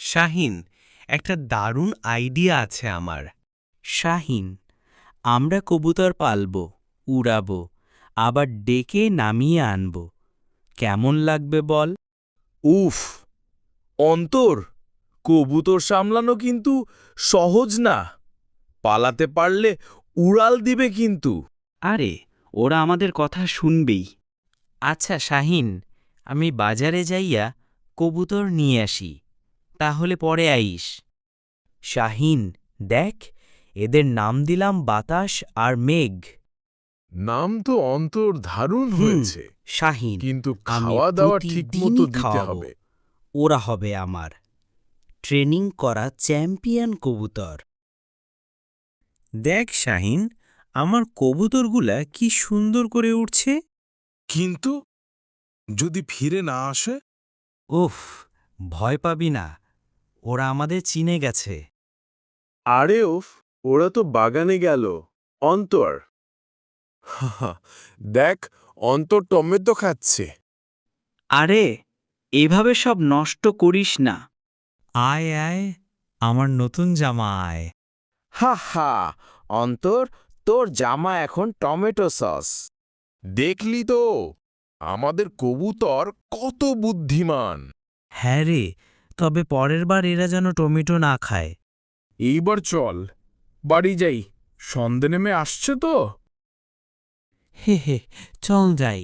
শাহিন, একটা দারুণ আইডিয়া আছে আমার। শাহিন, আমরা কবুতর পালব, উড়াব, আবার ডেকে নামিয়ে আনব। কেমন লাগবে বল? উফ, অন্তর, কবুতর সামলানো কিন্তু সহজ না। পালাতে পারলে উড়াল দিবে কিন্তু। আরে, ওরা আমাদের কথা শুনবেই। আচ্ছা শাহিন, আমি বাজারে যাইয়া কবুতর নিয়ে আসি, তাহলে পরে আইস। শাহিন, দেখ, এদের নাম দিলাম বাতাস আর মেঘ। নাম তো অন্তর দারুণ হয়েছে, শাহিন, কিন্তু আমি খাওয়া দাওয়া ঠিক মতো প্রতিদিনই দিতে খাওয়াবো। হবে। ওরা হবে আমার ট্রেনিং করা চ্যাম্পিয়ন কবুতর। দেখ শাহিন, আমার কবুতরগুলা কি সুন্দর করে উঠছে। কিন্তু যদি ফিরে না আসে? উফ, ভয় পাবি না, ওরা আমাদের চিনে গেছে। আরে উফ, ওরা তো বাগানে গেল। অন্তর, দেখ, অন্তর টমেটো খাচ্ছে। আরে, এভাবে সব নষ্ট করিস না। আয় আয়, আমার নতুন জামা আয়। হা হা, অন্তর, তোর জামা এখন টমেটো সস। দেখলি তো, আমাদের কবুতর কত বুদ্ধিমান। হ্যাঁ রে, তবে পরের বার এরা যেন টমেটো না খায়। এইবার চল, বাড়ি যাই, সন্ধে নেমে আসছে তো। হে হে, চল যাই।